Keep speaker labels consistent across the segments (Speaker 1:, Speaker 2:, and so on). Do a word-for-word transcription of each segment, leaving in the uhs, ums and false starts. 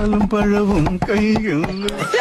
Speaker 1: പാലും പഴവും കൈകളിൽ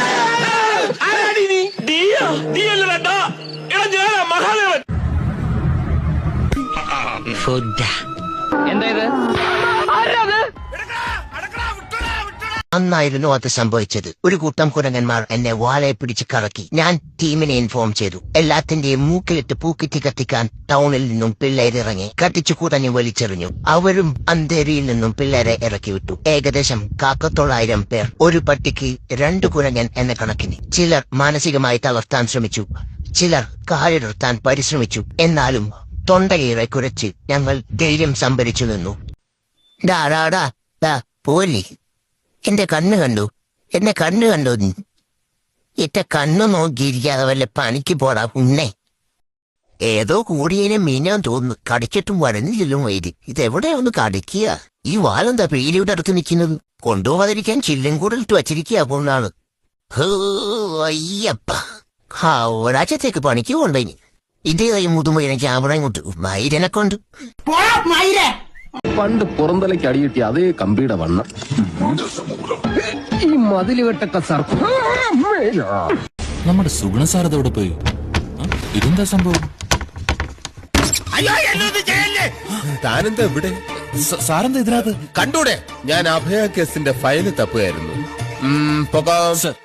Speaker 2: അന്നായിരുന്നു അത് സംഭവിച്ചത്. ഒരു കൂട്ടം കുരങ്ങന്മാർ എന്നെ വാലയെ പിടിച്ച് കറക്കി. ഞാൻ ടീമിനെ ഇൻഫോം ചെയ്തു. എല്ലാത്തിന്റെയും മൂക്കിലിട്ട് പൂക്കിറ്റി കത്തിക്കാൻ ടൗണിൽ നിന്നും പിള്ളേരിറങ്ങി കത്തിച്ചു കുടഞ്ഞു വലിച്ചെറിഞ്ഞു. അവരും അന്തേരിയിൽ നിന്നും പിള്ളേരെ ഇറക്കി വിട്ടു. ഏകദേശം കാക്കത്തൊള്ളായിരം പേർ. ഒരു പട്ടിക്ക് രണ്ടു കുരങ്ങൻ എന്ന കണക്കിന്. ചിലർ മാനസികമായി തളർത്താൻ ശ്രമിച്ചു, ചിലർ കാലിടർത്താൻ പരിശ്രമിച്ചു. എന്നാലും തൊണ്ടയേറെ കുരച്ച് ഞങ്ങൾ ധൈര്യം സംഭരിച്ചു നിന്നു. ഡാടാടാ ഡാ പോലി, എന്റെ കണ്ണ് കണ്ടു, എന്നെ കണ്ണ് കണ്ടു. എന്റെ കണ്ണു നോക്കിയിരിക്കാതെ വല്ല പണിക്ക് പോടാ ഉണ്ണേ. ഏതോ കൂടിയതിനെ മീനാൻ തോന്നുന്നു. കടിച്ചിട്ടും വരഞ്ഞില്ലും വൈദ്യ. ഇതെവിടെയാ ഒന്ന് കടിക്കുക? ഈ വാലെന്താ പേലിയുടെ അടുത്ത് നിൽക്കുന്നത്? കൊണ്ടുപോകാതിരിക്കാൻ ചില്ലും കൂടെ ഇട്ട് വച്ചിരിക്കുക കൊണ്ടാണ്. അയ്യപ്പ, ആ ഒരാഴ്ചത്തേക്ക് പണിക്ക് കൊണ്ടേനി. ഇതേ കൈ മുതുമ്പോ എനിക്ക് അവിടെ ഇങ്ങോട്ട് മൈരനെ കൊണ്ട്
Speaker 3: പണ്ട് പുറന്തലയ്ക്ക് അടിയിട്ടി അതേ കമ്പിയുടെ വണ്ണം. ഈ മതില് വെട്ടൊക്കെ സാർ
Speaker 4: നമ്മുടെ സുഗുണ സാറതോടെ പോയി. ഇതെന്താ സംഭവം?
Speaker 5: താനെന്താ ഇവിടെ?
Speaker 4: സാറെന്താ ഇതിനകത്ത്?
Speaker 5: കണ്ടൂടെ, ഞാൻ അഭയ കേസിന്റെ ഫയല് തപ്പുകയായിരുന്നു.